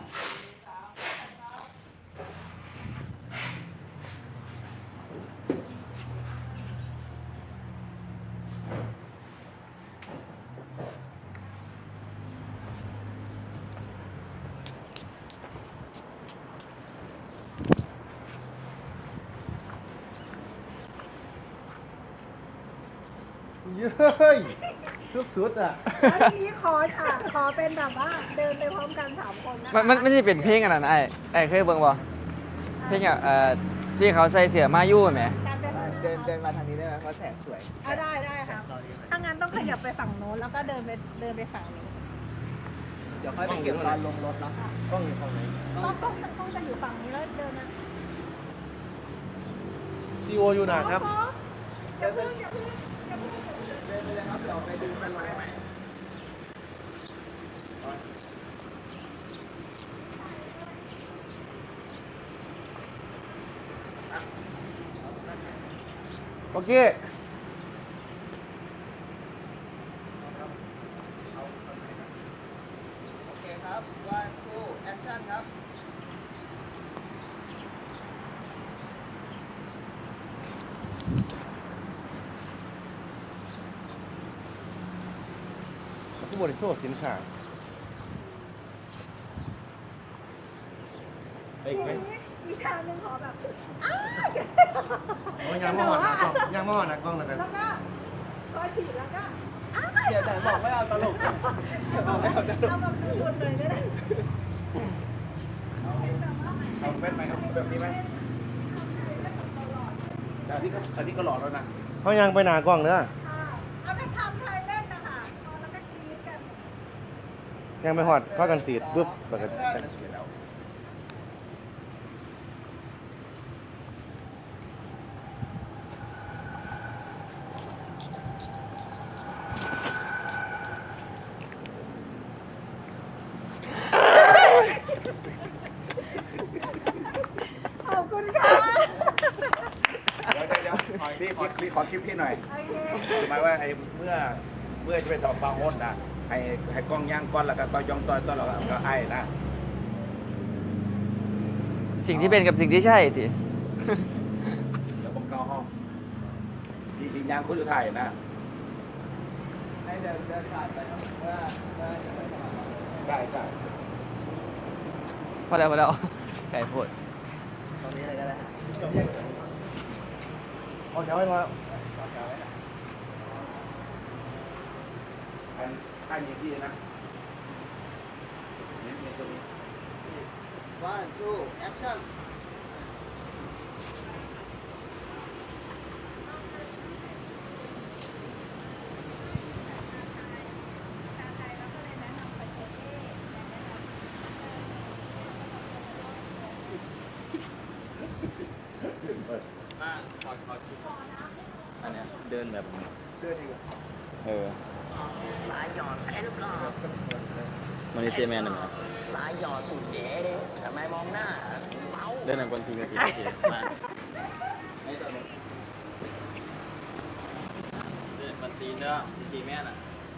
เย้ยสุดๆอ่ะแล้วทีนี้ขอเป็นแบบว่าเดินไปพร้อมกัน3 คนนะคะมันไม่ใช่เป็นเพลงอันนั้นไอ้เคยเบิ่งบ่เพลงที่เขาใส่เสื้อมายู่ไหมการเดินเดินมาทางนี้ได้ไหมเพราะแสงสวยได้ค่ะถ้างั้นต้องขยับไปฝั่งโน้นแล้วก็เดินไปฝั่งนี้เดี๋ยวค่อยไปเก็บตอนลงรถเนาะกล้องอยู่ฝั่งไหนต้องจะอยู่ฝั่งนี้แล้วเดินนะซีโออยู่ไหนครับอย่าเพิ่งอย่าเพิ่งเดินไปเลยครับเดี๋ยวไปดูกันใหม่โอเคโอเคครับ one two action ครับผู้บริโภคสินค้าไปอีกไหมอีกทางหนึ่งขอแบบโอ้ยยังไม่หอดนะกล้องยังไม่หอดนะกล้องเลยกันแล้วก็พอฉีดแล้วก็เดี๋ยวแต่บอกไม่เอาตลกบอกไม่เอาตลกเอาแบบชวนเลยได้ไหมเอาแว่นไหมครับแบบนี้ไหมแต่อันนี้ก็หล่อแล้วนะเขายังไปหนากล้องเนอะเอาไปทำไทยเล่นนะคะแล้วก็กรี๊ดกันยังไม่หอดเข้ากันสีดปุ๊บปกติสวยแล้วขอบคุณค่ะเดี๋ยวพี่ขอคลิปพี่หน่อยโอเคหมายว่าไอ้เมื่อจะไปสอบปลาโฮดนะให้กล้องย่างก้อนแล้วก็ยองต้อยต้อนแล้วก็ไอ้นะสิ่งที่เป็นกับสิ่งที่ใช่ติแล้วผมเกาห้องที่ย่างคุณอยู่ไทยนะให้เดินผ่านไปเนาะว่าจะไปสมัครได้พอแล้วไก่โพดตรงนี้เลยก็ได้เอาเดี๋ยวให้มาท่านยิงที่นะนี่ตัวนี้ one two action อันเนี้ยเดินแบบเดินอีกเหรอสายหยอดใช่หรือเปล่ามันนี่เจแมนนะครับสายหยอดสุดเก๋เลยทำไมมองหน้าเมาเดินหนังคนทีกันทีมามันตีเนื้อตีแม่น่ะ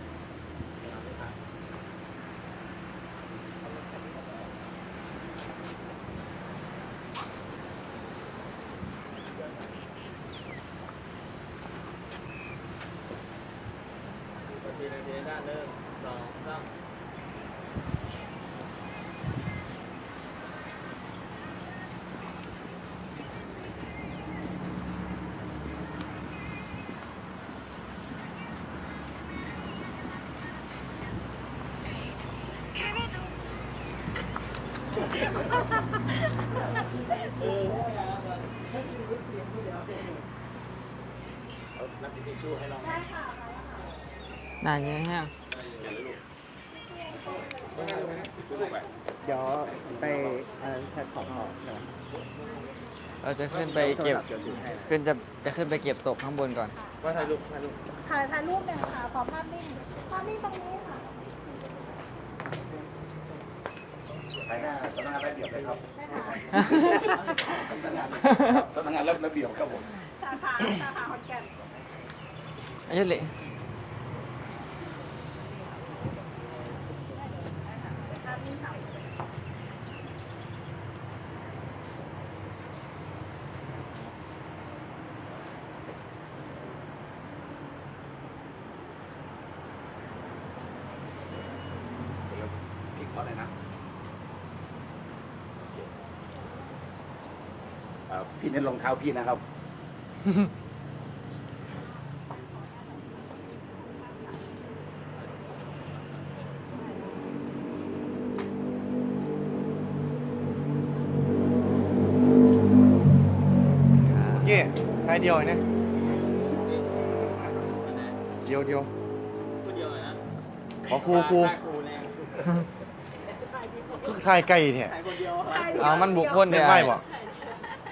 ทีด้านหนึ่งสองสามรับทิชชู่ให้เราได้ค่ะนานยังฮะเดี๋ยวไปแพลตฟอร์มต่อใช่ไหมเราจะขึ้นไปเก็บเดี๋ยวถือให้นะจะขึ้นไปเก็บตกข้างบนก่อนว่าถ่ายรูปถ่ายรูปหนึ่งค่ะขอภาพนิ่งตรงนี้ค่ะไปหน้าสำนักงานระเบียบเลยครับได้ค่ะสำนักงานระเบียบครับผมสาขาขอนแก่นอายุเลยภาพนิ่งค่ะอนเลยนะพี่เน้นรองเท้าพี่นะครับเย่ไทยเดียวเนี่ยเดียวขอครูคือไทยไก่เนี่ยเอามันบุกคนเป็เนี่นยไพ่บ่